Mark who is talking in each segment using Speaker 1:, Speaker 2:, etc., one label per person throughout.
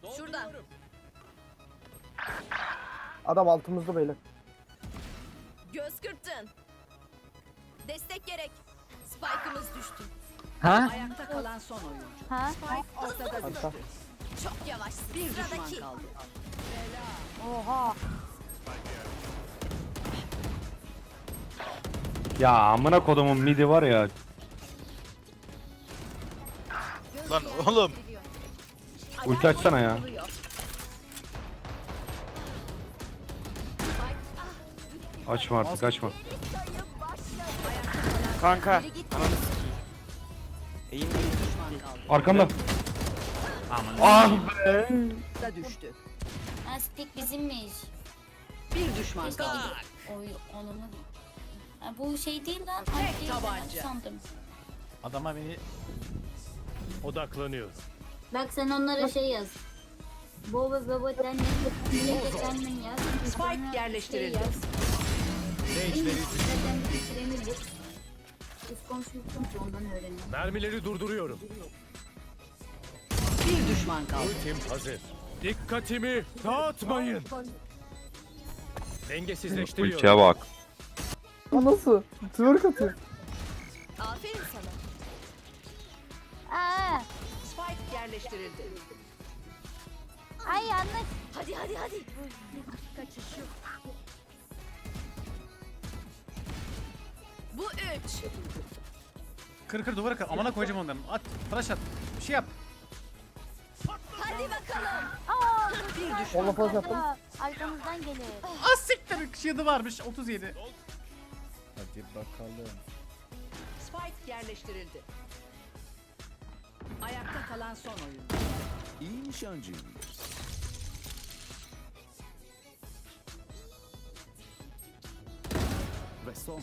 Speaker 1: Şurada.
Speaker 2: Adam altımızda böyle.
Speaker 1: Göz kırptın. Destek gerek. Spike'ımız düştü.
Speaker 3: Ha?
Speaker 4: Ayakta kalan son oyuncu.
Speaker 5: Ha?
Speaker 4: Spike ortada
Speaker 2: Hatta.
Speaker 4: düştü.
Speaker 1: Çok yavaşsın.
Speaker 4: Bir düşman
Speaker 1: Sıradaki.
Speaker 4: kaldı.
Speaker 5: Oha.
Speaker 3: Ya amına kodumun midi var ya.
Speaker 6: Lan oğlum.
Speaker 3: Ulti açsana ya. Açma artık açma.
Speaker 6: Kanka.
Speaker 4: Bir düşman kaldı.
Speaker 3: Arkamda.
Speaker 6: Aman.
Speaker 3: Ah
Speaker 4: Da düştü.
Speaker 5: Ha, stick bizimmiş.
Speaker 4: Bir düşman
Speaker 5: Keşke
Speaker 4: kaldı.
Speaker 5: gidip... Oy onu. Ha, bu şey değil lan.
Speaker 4: Tek
Speaker 5: Ay, değil,
Speaker 4: tabanca.
Speaker 5: ben sandım.
Speaker 7: Adama beni odaklanıyor.
Speaker 5: Bak sen onlara şey yaz. Baba baba denmen yaz.
Speaker 4: Spike yerleştirildi.
Speaker 5: Zaten bitiremedik. Biz konuşmuştuk ondan öğrenelim.
Speaker 7: Mermileri durduruyorum.
Speaker 4: Bir düşman kaldı.
Speaker 7: Ultim hazır. Dikkatimi dağıtmayın. Dengesizleştiriyorum.
Speaker 3: ultiye bak.
Speaker 2: O nasıl? Twerk atıyor.
Speaker 1: Aferin sana.
Speaker 5: Aa,
Speaker 4: Spike yerleştirildi.
Speaker 5: ay yanlış.
Speaker 1: Hadi hadi hadi. Bu 3.
Speaker 7: Kır duvara kır. Amına koyacağım onların. At. Flash at. Bir şey yap.
Speaker 1: Hadi bakalım.
Speaker 5: Aa,
Speaker 4: Bir düşman
Speaker 2: Onunla flash
Speaker 4: kaldı.
Speaker 2: attım.
Speaker 5: arkamızdan gelir.
Speaker 7: Az siktir. Shield'ı varmış. 37. Hadi bakalım.
Speaker 4: Spike yerleştirildi. Ayakta kalan son oyuncu.
Speaker 8: İyi nişancıyım. Ve son.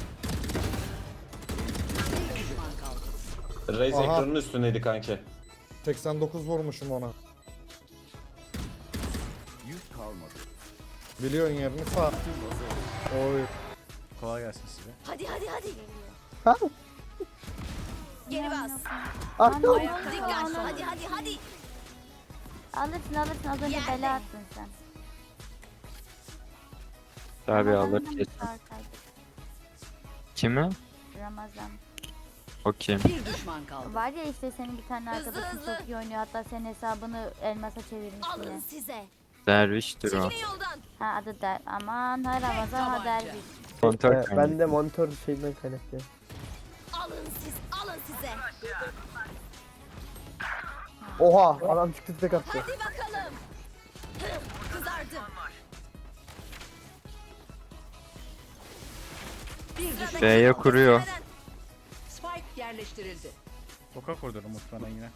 Speaker 4: Bir düşman kaldı.
Speaker 9: Raze
Speaker 2: Aha.
Speaker 9: ekranının üstündeydi kanki.
Speaker 2: 89 vurmuşum ona.
Speaker 8: Yük kalmadı.
Speaker 2: Biliyorsun yerini sağ. Oy.
Speaker 7: Kolay gelsin size.
Speaker 1: Hadi hadi hadi.
Speaker 2: Ha?
Speaker 1: Geri bas.
Speaker 2: Arka.
Speaker 4: Ayakta
Speaker 1: Dikkat.
Speaker 4: kalan son
Speaker 1: Hadi hadi hadi.
Speaker 5: Alırsın az önce
Speaker 1: Yerde.
Speaker 5: bela attın sen.
Speaker 3: Tabi alır
Speaker 5: Ramazan'dan
Speaker 3: kesin.
Speaker 5: çıkartaydık.
Speaker 3: Kimi?
Speaker 5: Ramazan.
Speaker 3: O kim?
Speaker 4: Bir düşman kaldı.
Speaker 5: Var ya işte senin bir tane
Speaker 1: Hızlı,
Speaker 5: arkadaşın
Speaker 1: hızlı.
Speaker 5: çok iyi oynuyor. Hatta senin hesabını elmasa çevirmiş
Speaker 1: Alın
Speaker 5: yine.
Speaker 1: size.
Speaker 3: Derviştir o.
Speaker 1: Çekilin yoldan.
Speaker 5: Ha adı der. Aman ha Ramazan ha
Speaker 4: tabanca.
Speaker 5: derviş.
Speaker 3: Kontör kanka.
Speaker 2: Ben de monitör şeyden kaynaklı.
Speaker 1: Alın siz. Alın size.
Speaker 2: Oha adam çıktı tek attı.
Speaker 1: Hadi bakalım. Kızardı.
Speaker 4: Bir düşman.
Speaker 3: B'ye kuruyor.
Speaker 1: Neden?
Speaker 4: Spike yerleştirildi.
Speaker 7: Sokak orduları muhtemelen yine.